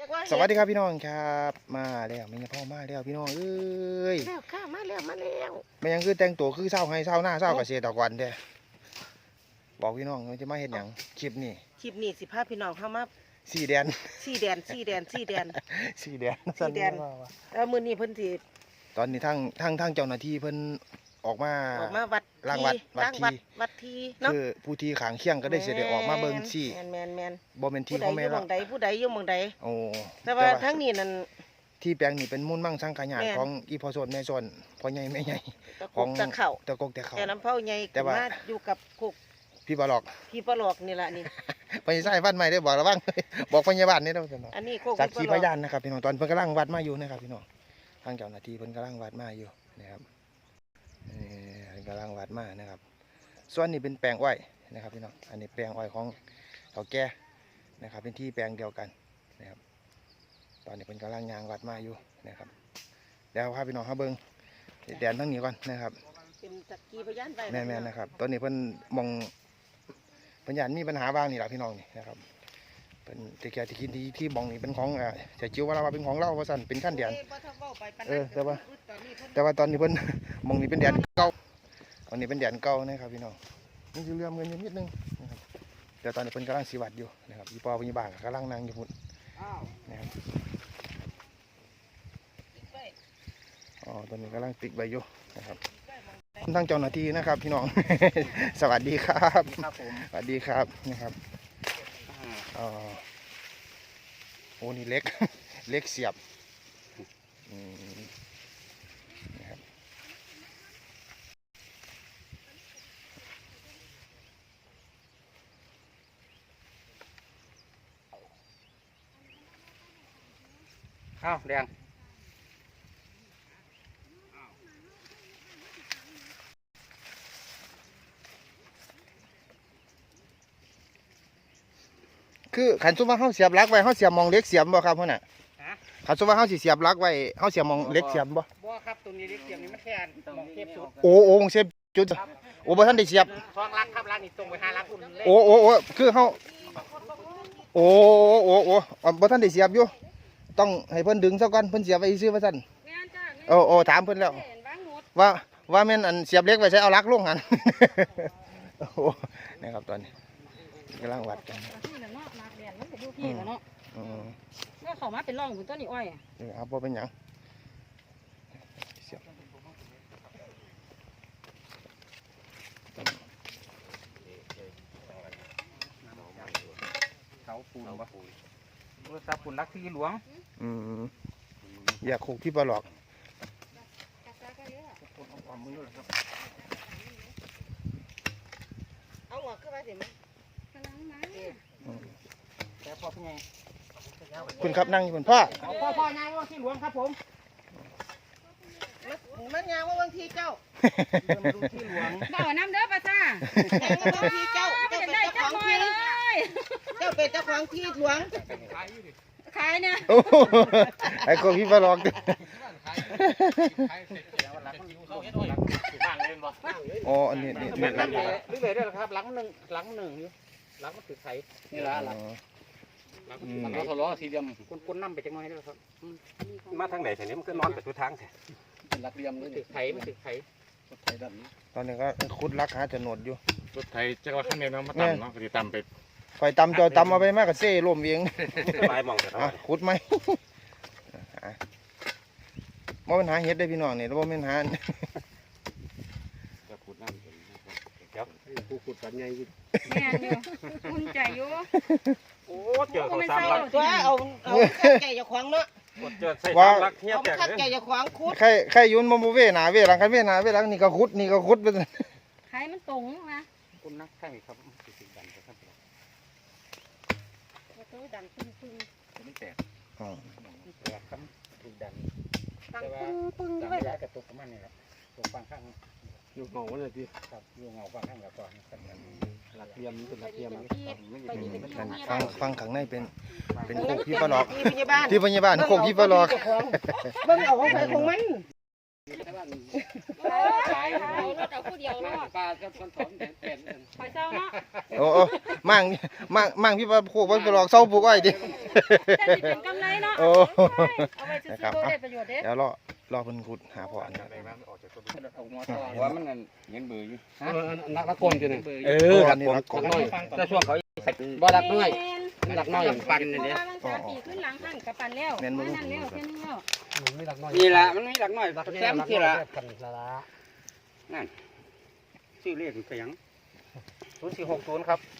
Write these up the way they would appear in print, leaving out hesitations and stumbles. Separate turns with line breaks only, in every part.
สวัสดีครับพี่น้องครับมาแล้วแม่ยังพ่อมาแล้วพี่น้องเอ้ย
แล้วข้ามาแล้ว
แม่ยังคือแต่งตัวคือเศร้าให้เศร้าหน้าเศร้าเกษตรกรแท้บอกพี่น้องจะมาเห็นอย่างคลิปนี้
สิพาพี่น้องเข้ามา
สี่แดน
สี่แดน
สี่แดน
แล้วมื้อนี้เพิ่นสิ
ตอนนี้ทั้งเจ้าหน้าที่เพิ่นออกมา
วัด
ล้างวัด
ทีเนาะ
คือผู้ที่ขางเคียงก็ได้เสด็จออกมาเบิ่งซี่
แม่น
บ่แม่นที่พ่อแม่ละ
ผู้ใดอยู่หม่องใด
โอ้
แต่ว่าทั้งนี้นั่น
ที่แปลงนี้เป็นมูลมั่งสังขยานของอีพ่อโซนแม่โซนพ่อใหญ่แม่ใหญ่
ของตะเข่า
ตะกกแต่เขา
แต่ลำเผาใหญ่แต่ว่าอยู่กับคุก
พี่ปลอก
นี่ล่ะนี่
ไปใส่ฟันใหม่ได้บอกระวังบอกพยาบาลนี่เด้อ
อันนี้โคก
สักขีพยานนะครับพี่น้องตอนเพิ่นกำลังวัดมาอยู่นะครับพี่น้องทางเจ้าหน้าที่เพิ่นกำลังวัดมาอยู่นะครับกำลังวัดมานะครับส่วนนี้เป็นแปลงอ้อยนะครับพี่น้องอันนี้แปลงอ้อยของเฒ่าแก่นะครับเป็นที่แปลงเดียวกันนะครับตอนนี้เพิ่นกำลังยางวัดมาอยู่นะครับเดี๋ยวพาพี่น้องเข้าเบิ่งแดนทั้งนี้ก่อนนะครับ
เป็นสักขีพยานไป
แม่ๆนะครับตอนนี้เพิ่นมองปัญญามีปัญหาบ้างนี่แหละพี่น้องนี่นะครับเป็นตะเกียบตะกินที่บ้องนี่เป็นของเสียจิ๋วว่าเราเป็นของเราว่าสั่นเป็นขั้นเดียนแต่ว่าตอนนี้เพิ่นมองนี่เป็นแดนเก่าตอนนี้เป็นแดนเก่านะครับพี่น้องนี่คือเรื่องเงินอยู่นิดนึงนะครับแต่ตอนนี้เพิ่นกำลังสีวัดอยู่นะครับอีปอพี่บ้างกำลังนั่งอยู่พุ่นนะครับอ๋อตอนนี้กำลังติดใบอยู่นะครับทั้งเจ้าหน้าที่นะครับพี่น้อง สวัสดีครับสวัสดีครับนะครับโอ้นี่เล็ก เล็กเสียบนะครับ
ข้าวแดง
คือขันซุปว่าเขาเสียบลักไว้เขาเสียบมองเล็กเสียบบ่ครับพ่อน่ะขันซุปว่าเขาสิเสียบลักไว้เขาเสียบมองเล็กเสียบบ่
ครับตัวนี้เล็กเสียบนี่มันแค่มองเทปจุด
โอ้มองเสียบจุดโอ้บ่ท่านได้เสียบ
สองลักครับลักนี่ตรงไป5ลักอุ่นเลย
โอ้คือเขาโอ้บ่ท่านได้เสียบอยู่ต้องให้เพิ่นดึงซะก่อนเพิ่นเสียบไว้ซื่อว่าซั่นโอ้ถามเพิ่นแล้วว่าแม่นอันเสียบเล็กไว้ใช้เอาลักลงหันโอ้นะครับตอนนี้กำลังวัดกัน
ก็เข้ามาเป็นร่องบนต้นนี้อ้อย
ครับพอเป็นหยัง
เขาปูนวะปูนซับปูนรักที่หลวง
อยากคุกที่ปลอก
เอาหัวขึ้นมาสิมั้ย
แต่พอเป็นไง
คุณครับนั่งอยู่บนพ่อ
พ่อยางว่าที่หลวงครับผม
มันยางว่าบางทีเจ้า
ที่หลวง
บ่อน้ำเด้อป้าจ้า
บางทีเจ้าเป็นเจ้าของที่เจ้าเป็นเจ้าของที่หลวง
ขายเนี่ย
ไอ้คนที่ปลอกอ๋ออันนี้นี่
หลังเลยด้วยครับหลังหนึ่งหลังมันถือไข่นี่ละหลังมันทะเลาะสีเดียมก้นน้ำไปจังน้อยด้วยครับ
มาทางไหนแถวนี้มันก็นอนไปทุกทางแถว
หลักเดียมมันถือไข่
ตอนนี้ก็คุดรักหาจะหนวดอยู่
รถไทยจะว่าขั้นเดียวมาตำเนาะก็จะตำไป
คอยตำจอยตำเอาไปมากกับเซ่ร่วมเอง
ไม้มองแต่
ขุดไหมว่าปัญหาเฮ็ดได้พี่น้องเนี่ยแล้วว่าปัญหา
จะขุดน้ำเดี๋ยวกูขุดกันไง
แม่อยู่คุณใจอยู่
โอ้เจอเขาสามลัก
ตัวเอาขัดแก่อย่าขวางเนาะ
เจอใส่สามลักเทียบ
ขัดแก่อย่าขวางคุด
ใครยุ่นมาเวหนาเวหลังใครเวหนาเวหลังนี่ก็ขุดไป
ใครมันตรงนะ
คุณนักใช่ไหมครับสิ่งดันครับ
ดันปึ้ง
ไม่แตกแตกครับถูกดัน
ดังปึ้ง
ด้วยกระตุกมันนี่แหละตรงฝั่งข้าง
อยู่เงาวันเลยที่
ครับอยู่เงาฝั่งข้างกับก่อน
หลักเทียมเป็นหลักเทียม
ฟังข้างในเป็นโคกพี่ปลอก
ที่พยาบาล
โคกพี่ปลอก
เบิ่งเอาของใครของมัน
เอารถเอาผู้เดียวเนาะ
ปลาก็คนถอนแผ่น
ไปเศร้าเนาะ
โอ้มั่งพี่ว่าโคบ่ไปหลอกเซาปลูกอ้อยดิ
แต่สิเป็นกำไรเนาะ
โอ้
เอาไปซื้อตัวได้ประโยชน์เด้
เดี๋ยวรอเพิ่นขุดหาพ่ออันนี้
ว่ามันเงินเบื่ออยู่
นักละกลจะเนี่ย
อันนี้รักก่อน
แต่ช่วงเขาบ่รักน้อยรักน้อยปันนี่เด้
ปีขึ้นหลังข้างกับปันแล้วนั่นแล้วเส้นแล้ว
มีหลักน้อย
นี่ละมันมีรักน้อยแซมที่ละ
กันละ
นั่นชื่อเลขเป็นยัง0460ครับ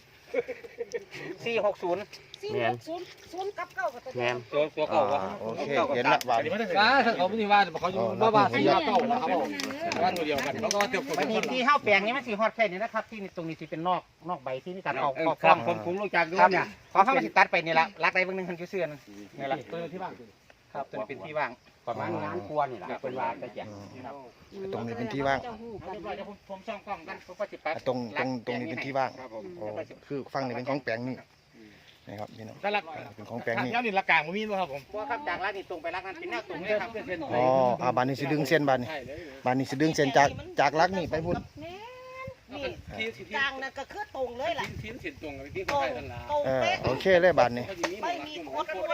460
460กับ9กับตัว
แม่นตัวเก่าวะ
โอเคเห็นละบาด
ถ้าเขาไม่ได้ว่าเขาอยู่บ้านที่เก่าแล้วครับบ้านตัวเดียวกันแล้วก็เตียวคน
มันมีที่ห้าแปลงนี้มันสีฮอดแค่นี้นะครับที่ตรงนี้สิเป็นนอกใบที่มีการออกฟองผมรู้จักด้วยเนี่ยพอเข้ามาสิตัดไปนี่ละรักใดเบางนึงคันอยู่เสื้อนี่ละ
ตัวที่บ้าน
ครับตัวนี้เป็นที่ว่างประมาณงานครัวนี่แหละเป็นว่าแต่แจก
ตรงนี้เป็นที่ว่าง
เดี๋ยวผมซ่อมกล้องกันผมก็จิปัด
ตรงนี้เป็นที่ว่าง
ครับผม
โอ้คือฝั่งนี้เป็นของแปลงนี่นะครับพี่น้อง
แต่ละ
เป็นของแปลงนี่
ย้อนนี่ละกลางมันมีด้วยครับผม
เพราะครับจากร้านนี่ตรงไปร้านนั้นเป็นแนวตรงเลยครับ
อ๋อบ้านนี้สิดึงเส้นบ้านนี้สิดึงเส้นจากลักนี่ไปพุ่น
นี่กลางนั่นก็คือตรงเลยล่ะ
ทิ้นสินตรงกับที่
ตร
เขา
ง
ให้กันละ
ตรง
เออ
เป๊ะ
โอเคเลยบ้านนี้
ไม่มีโคตรด้วย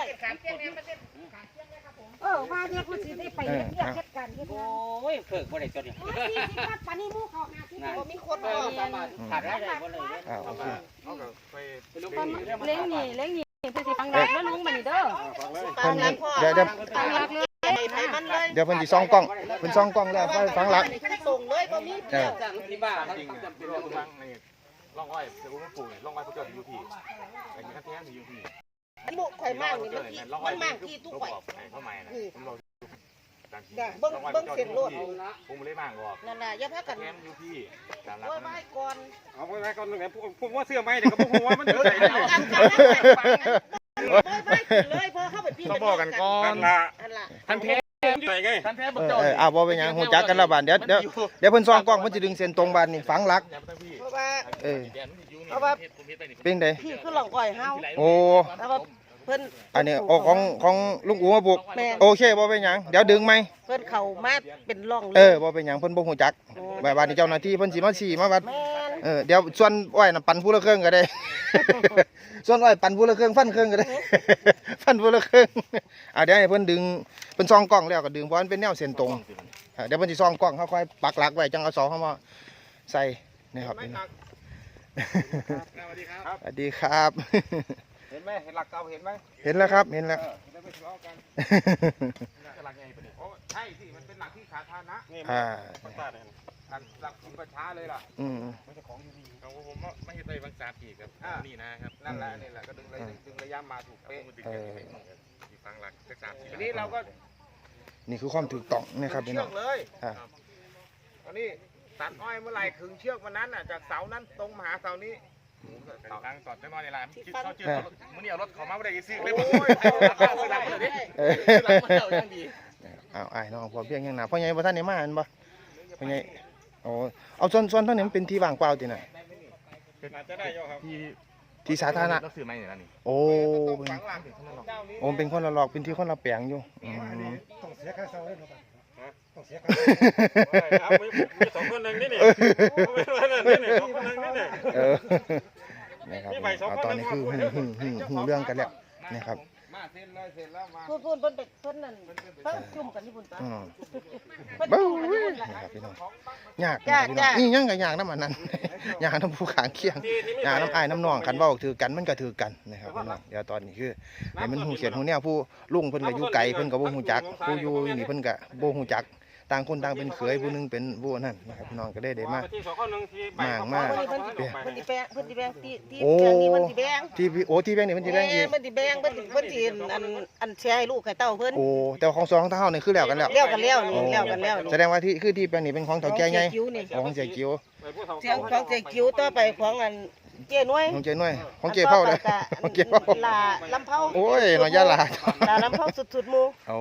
ว่าเนี่ยคุณสิได้ไปเรียกเฮ็ดกันเฮ็ด
โอ้ยเพิกบ่ได้ตัวนี้
40บาทปานนี้หมู่เขา50
บ่มีโคตร
เอ
ด้
อ
วย
สามารถขาดได้เลยบ่เลย
โอเค
เล้งนี่คือสิฟังรักแล้วลุงมานี่เด้อ
ตามหลังพ่อ
เดี๋ยว
ฟังรักเลย
ไปมันเลย
เดี๋ยวเพิ่นสิซ่องกล้องเพิ่นซ่องกล้องแล้วฟังหลัก
ตรงเลยบ่มี
เออ
จากที่บ้านครับจำเป็น
ร่องมังนี่ร่องอ้อยเดี๋ยวผมปลูกร่องอ้อยพวกเจ้าอยู่ที่ไอ้นี่ก็แท้อยู่ที่
บุกข่อยมากนี่มันมากที่ทุกข่อย
เข้ามานะผมรอ
เบิ่งเส้นโลด
ผมเลยมากบอก
นั่นน่ะอย่าพากัน
แท้อยู่ที่ตามหลัก
ว่าไว้ก่อน
เอาไว้ก่อนหนึ่งผมว่าเสื้อไหมเดี๋ยวก็ผมว่ามันอยู่ไหน
เอากันเลยพอเข้าไปพี่
ต้องบอกกันก่อนละ
นั่นล่ะ
ท่านแท้อยู่ไหนไงท่านแท้บอกเจ้า
บ่เป็นหยังฮู้จักกันแล้วบ้านเดี๋ยวเพิ่นซ่องกล้องเพิ่นสิดึงเส้นตรงบ้านนี่ฝังหลัก
เพราะว่า
เออ
เป็น
เป็นได
พี่คือหลอกก่อยเฮา
โอ้
แล้วว่าเพิ่น
อันนี้โอ้ของลุงอูมาปลูก
แม่
โอเคบ่เป็นหยังเดี๋ยวดึงไหม
เพิ่นเข้ามาเป็นร่องเล
เอย อบ่เป็นหยังเพิ่นบ่ฮู้จักแบบว่านี่เจ้าหน้าที่เพิ่นสิมาชี้มาวัด
แม่น
เดี๋ยวส่วนอ้อยน่ะปั่นผู้ละเครื่องก็ได้ ส่วนอ้อยปั่นผู้ละเครื่องฟันเครื่องก็ได้ ฟันผู้ละเครื่องเดี๋ยวให้เพิ่นดึงเพิ่นซ่องกล้องแล้วก็ดึงเพราะมันเป็นแนวเส้นตรงเดี๋ยวเพิ่นสิซ่องกล้องเขาค่อยปักหลักไว้จังเอาเสาเข้ามาใส่นี่ครับนี่
สวัสดีครับ
สวัสดีครับ
เห็นไหมเห็นหลักเก่าเห็นไหม
เห็นแล้วครับเห็นแล้ว
ได้ไปทะเลาะกันหลักไงปะเนี่ยโอ้ใช่สิมันเป็นหลักที่สาธารณะนี่
อ่า
หลักของประชาเลยล่ะ
อืม
ไม่ใช่ของอยู่ดีของผมไม่ใช่ไปบางสาปีกับนี่นะครับนั่นแหละนี่แหละก็ดึงระยะมาถูกเป๊ะฟังหลักสัก3 4ทีนี้เราก็
นี่คือความถูกต้องนะครับพี่
เชื
น้
อ
อง
กเลย
อ่า
ตอนนี้ตัดอ้อยเมื่อไหร่ขึงเชือกวันนั้นอ่ะจากเสานั้นตรงมาหาเสานี้ทางสอดได้น้อยในร้านเขาเจอมื่อนี้เอารถเขามาไม่ได้ซื้อเลยโอ้ยหลังเลยดิหลังมันเจ้ายังดี
อ้ายน้องพอเพียงยังหนาพ่อใหญ่บ่ทันได้มาอันบ่พ่อใหญ่โอ้เอาส่วนเท่านี้มันเป็นที่ว่างเปล่าติน่ะ
อาจจะได้ยครับ
ที่สาธารณะ
ต้องซื้อไหมเนี่ยนี่
โอ้เป็นคนละหลอกเป็นที่คนละแปลงอยู่อืม
ต้องเสียค่าเสาเลยครับต้องเสียค่ามี2 คนนึงนี่นี่ไม่ว่านั่นนี่2 คนนึงนี่นี่
นะครับตอนนี้คือหูเรื่องกันแล้วนะครับ
มาเซ็นเลยเซ็นแล้วมา
พูดเพิ่นไปเพิ่นนั่นเพิ่นจุ่มกันที่บุญตา
เบ้านะครับพี่น้องยากนะครับพี่น้องนี่ยังก็ยากน้ำมันนั้น ยากน้ำผู้ขางเคียงยากน้ำอ้ายน้ำนองกันเว้าถือกันมันก็ถือกันนะครับพี่น้องเดี๋ยวตอนนี้คือให้มันหูเขียนหูแนวผู้ลุงเพิ่นก็อยู่ไกลเพิ่นก็บ่ฮู้จักผู้อยู่นี่เพิ่นก็บ่ฮู้จักต่างคนต่างเป็นเขยผู้นึงเป็นผู้นั่นนะครับพี่น้องก็ได้มา
เพิ่นสิแบ่งที่แบ่งนี้เพิ่นสิแบ่ง
ที่ที่แบงค์นี่เพิ่นสิแบงค์อีก
เพิ่นสิแบ่งเพิ่นสิอันแชร์ให้ลูกให้เต้าเพิ่น
โอ้แต่ของสองเท่านี่คือแล้วกันแล้ว
เลี้ยวกันแล้วนี่เลี้ยวกันแล้วนี่
แสดงว่าที่คือที่แปลงนี้เป็นของเฒ่าแก่ใหญ่
คิ้วนี่
ของเสียกิ้ว
เสียงของเจคิ้วต่อไปของอันเจ้น้อย
ของเจน้อยของเจเผาเลยของเจเผา
ลาลำเผา
โอ้ยน้อยยาลา
ลาลำเผาสุดๆหมู่
โอ้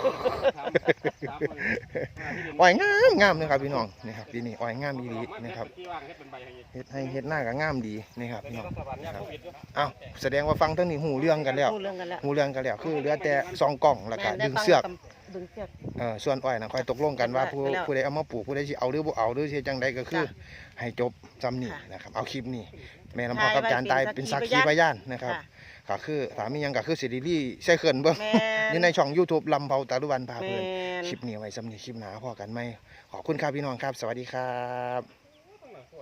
อ้อยงามนะครับพี่น้องนี่ครับปีนี้อ้อยงามดีนะครับเฮ็ดให้เฮ็ดหน้าก็งามดีนี่ครับพี่น้องนะครับอ้าวแสดงว่าฟังทั้งนี้หูเรื่องกันแล้ว
รู้เรื่องกันแล้ว
หูเรื่องกันแล้วคือเหลือแต่ซองกล่องแล้วก็ดึงเสือก
ดึงเชือก
ส่วนอ้อยนะค่อยตกลงกันว่าผู้
ไปแล้ว
ผู้ใดเอามาปลูกผู้ใดสิเอาหรือบ่เอาหรือสิจังใดก็คือ
ค่ะ
ให้จบจำนี่
ค่ะ
นะครับเอาคลิปนี้แม่ลำพอกับ
ถ่ายไว้
จานตาย
เป็
เป็น
นสั
สั
ก
ก
ขี
ขี
พยาน
พยานนะครับ
ค่ะ
ก็คือถามมีหยังก็คือสิริลี่ใส่เขินเบิ่ง
แม่
อยู่ในช่อง YouTube ลำเผาตาลุวันพา
แม่
เพิ่น
น
คลิปนี้ไว้สำนี้คลิปหน้าพอกันไหมขอบคุณครับพี่น้องครับ สวัสดีครับ